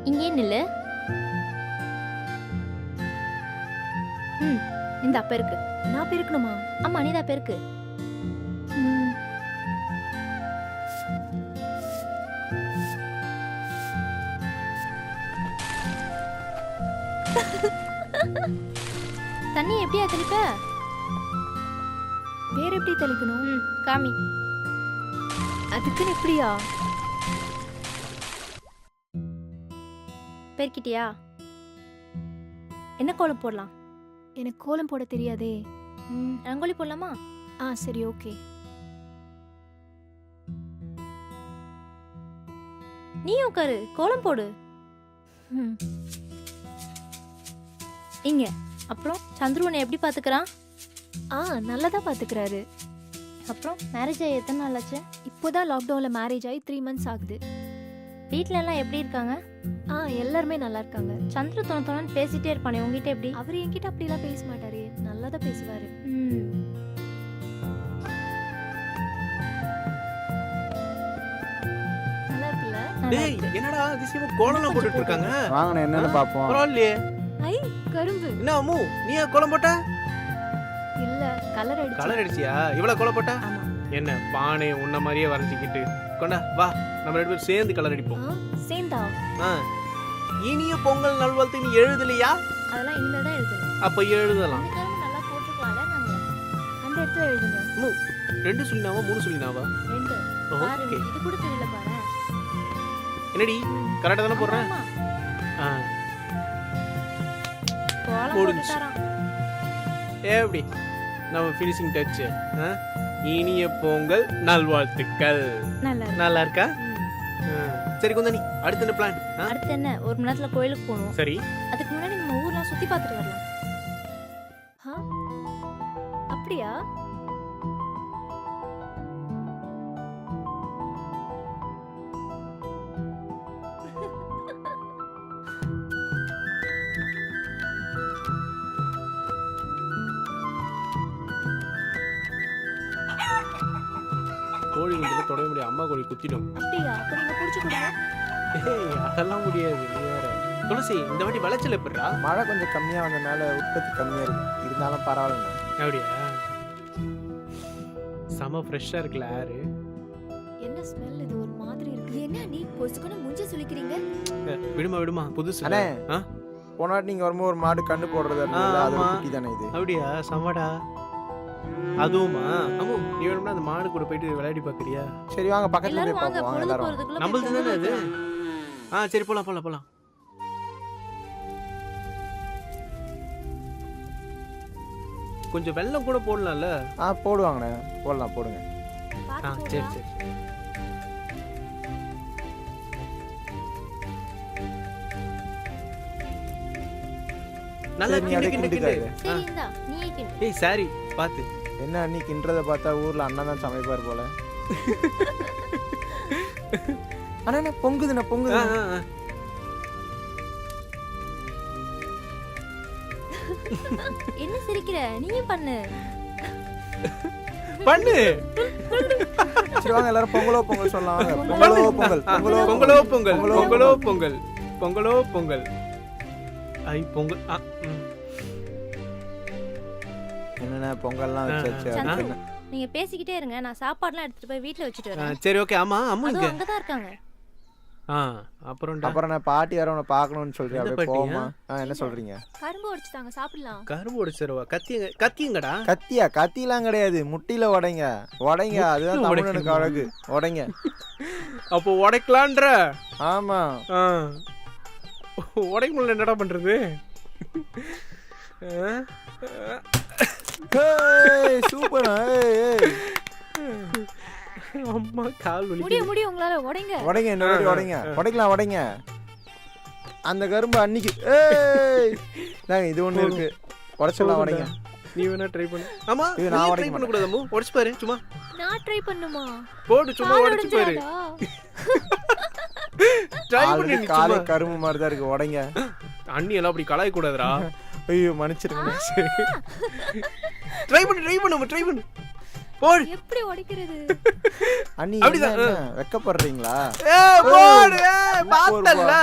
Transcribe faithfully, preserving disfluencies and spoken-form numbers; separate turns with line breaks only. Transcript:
இங்கே நில்லு. ம் இந்த பெருக்கு.
நான் பெருக்கணுமா?
ஆமா நீ தான் பெருக்கு.
ம்.
தண்ணி எப்படியா தெளிப்ப?
வேற எப்படி தெளிக்கணும்?
ம் காமி.
அதுக்குன்னு எப்படியா?
பெருக்கிட்டியா? என்ன கோலம் போடலாம்?
எனக்கு கோலம் போட தெரியாதே.
ம் ரங்கோலி போடலாமா?
ஆ சரி ஓகே.
நீ உட்காரு, கோலம் போடு.
ம்.
இங்க அப்புறம் சந்துரு உன்னை எப்படி பாத்துக்கிறான்?
ஆ நல்லா தான் பாத்துக்கிறாரு.
அப்புறம் மேரேஜ் ஆகி எத்தனை நாள் ஆச்சு?
இப்போதான் லாக்டவுன்ல மேரேஜ் ஆகி த்ரீ மந்த்ஸ் ஆகுது.
வீட்ல எல்லாம் எப்படி இருக்காங்க?
ஆ எல்லாருமே நல்லா இருக்காங்க.
சந்துரு தொண தொணன்னு பேசிட்டே இருப்பானே, உங்ககிட்ட எப்படி?
அவர் என்கிட்ட அப்படிலாம் பேச மாட்டாரு, நல்லா தான் பேசுவாரு.
ம்
நல்லா இருக்குல்ல?
நல்லா
டேய்
இருக்கு.
என்னடா அதிசயமா கோலம்லாம் போட்டுட்டு இருக்காங்க.
வாங்கண்ணே என்னன்னு பாப்போம்.
பரவாயில்லையே.
ஐ கரும்பு.
என்ன அம்மு நீ ஏன் கோலம் போட்ட?
இல்ல கலர் அடிச்சு.
கலர் அடிச்சியா? இவ்வளவு கோலம் போட்ட?
ஆமா.
என்ன பானை உன்ன மாதிரியே வரைஞ்சிக்கிட்டு கொண்டா வா நம்ம ரெண்டு பேரும் சேர்ந்து கலர் அடிப்போம்.
ஆ சேந்தா.
ஆ. இனிய பொங்கல் நல்வாழ்த்து நீ எழுதலையா?
அதெல்லாம் இனிமேல் தான் எழுதணும்.
அப்ப எழுதலாம்.
இந்த கரும்பு நல்லா போட்டுக்கலாம்ல நாங்க.
அந்த இடத்துல எழுதுங்க.
அம்மு ரெண்டு சொல்லினாவா மூணு சொல்லினாவா?
ரெண்டு.
பாரு
ஓகே.
இது கூட தெரியல பாரு.
என்னடி கரெக்டா தானே போடுறேன்?
ஆமா,
ஆ.
கோலம்
முடிஞ்சு.
போட்டுட்டாராம்.
எப்படி நம்ம ஃபினிஷிங் டச். இனிய பொங்கல் நல்வாழ்த்துக்கள்.
நல்லா இருக்கு.
நல்லா இருக்கா?
ம்.
ஆ. சரி குந்தனி அடுத்த என்ன பிளான்?
அடுத்து என்ன, ஒரு மணி நேரத்துல கோயிலுக்கு போகணும்.
சரி
அதுக்கு முன்னாடி நம்ம ஊர்லாம் சுத்தி பார்த்துட்டு வரலாம்.
ஆ அப்படியா?
கோழி குஞ்சுல தொட முடியாது, அம்மா கோழி குத்திடும்.
அப்படியா? அப்ப நீங்க புடிச்சு கொடுங்க.
ஏய் அதெல்லாம் முடியாது நீ வேற. துளசி இந்த வாட்டி விளைச்சல் எப்படிடா?
மழை கொஞ்சம் கம்மியா வந்தனால உற்பத்தி கம்மியா இருக்கு. இருந்தாலும் பரவாயில்ல.
அப்படியா? செம ஃப்ரெஷ்ஷா இருக்குல்ல ஏரு.
என்ன ஸ்மெல் இது ஒரு மாதிரி இருக்கு. என்ன நீ பொசுக்குன மூஞ்ச சுளிக்கிறீங்க?
விடுமா விடுமா புதுசு.
அண்ணே.
ஆ?
போன வாட்டி நீங்க வரும்போது ஒரு மாடு கண்ணு போடுறது இருந்தது. அது ஒரு
ஆமா.
குட்டி தானே இது.
அப்படியா? சமடா. அதுவுமா? அம்மு நீ வேணும்னா அந்த மாடு கூட போயிட்டு விளையாடி பாக்குறியா?
சரி வாங்க பக்கத்துல போய்
எல்லாரும் வாங்க,
பாப்போம். வாங்க
பொழுது
எல்லாரும்.
போறதுக்குள்ள
நம்மளுது
போய்
தானே அது.
பொங்கல்
ஆ சரி போலாம் போலாம் போலாம். கொஞ்சம் வெல்லம் கூட போடலாம்ல?
ஆ போடுவாங்கண்ணே. போடலாம் போடுங்க.
ஆ
பாத்து
சரி
போடா.
சரி. நல்லா
சரி, நீ
கிண்டு
அப்படியே
கிண்டு
கிண்டுக்கா
கிண்டு.
இது.
சரி இந்தா நீயே கிண்டு.
ஏய் சாரி பாத்து.
என்ன அன்னைக்குன்றத பார்த்தா ஊர்ல அண்ணன் தான் சமைப்பார் போல. அண்ணா என்ன பொங்குதுண்ணே
ஆ,
பொங்குது.
ஆ, ஆ.
என்ன சிரிக்கிற? நீயும் பண்ணு.
பண்ணு.
சரி வாங்க எல்லாரும் பொங்கலோ பொங்கல் சொல்லலாம். வாங்க.
பொங்கலோ
பொங்கலோ பொங்கல்.
ஆ,
பொங்கலோ
பொங்கலோ பொங்கல்
பொங்கலோ
பொங்கலோ பொங்கல் பொங்கலோ பொங்கல். ஐ பொங்கல். ஆ, ம்.
என்னண்ணே பொங்கல்லாம் வச்சாச்சு.
ஆ.
அதுக்கு என்ன?
நீங்க பேசிக்கிட்டே இருங்க, நான் சாப்பாடுலாம் எடுத்துட்டு போய் வீட்ல வச்சுட்டு
ஆ,
வரேன்.
சரி ஓகே. ஆமா அம்மு
அதுவும்
இங்க.
அங்கதான் இருக்காங்க.
ஆ அப்புறம்
அப்புறம் நான் பாட்டி வர உன்னை பார்க்கணும்னு சொல்றேன்.
எந்த
அப்படியே
பாட்டியா?
போமா. ஆ என்ன சொல்றீங்க?
கரும்பு உடைச்சுட்டாங்க, சாப்பிடலாம்.
கரும்பு உடைச்சிருவா. கத்திங்க கத்திங்கடா.
கத்தியா? கத்திலாம் கிடையாது. முட்டில உடைங்க. உடைங்க. அதுதான்
முட்டில
தமிழனுக்கு அழகு. உடைங்க.
அப்போ உடைக்கலான்ற.
ஆமா.
ஆ. உடைக்க முடியல என்னடா பண்றது? ஆ?
ஏய் சூப்பர். ஏய் ஏய்.
அம்மா கால்
முடிய
வலிக்குது.
முடிய உங்களால உடைங்க.
உடைங்க இன்னொரு உடைங்க. உடைக்கலாம் உடைங்க. அந்த கரும்பு அன்னைக்கு ஏய் நாங்க இது ஒண்ணு இருக்கு. உடைச்சலாம் உடைங்க.
நீ வேணா ட்ரை பண்ணு. ஆமா
இது
நீ
நான்
ட்ரை
உடைக்க
பண்ண கூடாது அம்மு. உடைச்சு பாரு சும்மா.
நான் ட்ரை பண்ணுமா?
போடு சும்மா
கால்
உடைச்சு பாரு.
உடைஞ்சிராதா?
ட்ரை
ஆல்ரெடி
பண்ணி
காலே
சும்மா.
கரும்பு மாதிரி தான் இருக்கு. உடைங்க.
அண்ணி எல்லாம் அப்படி கலாய கூடாதுடா.
ஐயோ மன்னிச்சிருங்க.
ட்ரை பண்ணு ட்ரை பண்ணு ட்ரை பண்ணு. போடு.
எப்படி உடைக்கிறது?
அண்ணி
அப்படிதான்.
என்ன வெக்கப்படுறீங்களா?
ஏ போடு. ஏ பார்த்தல்ல.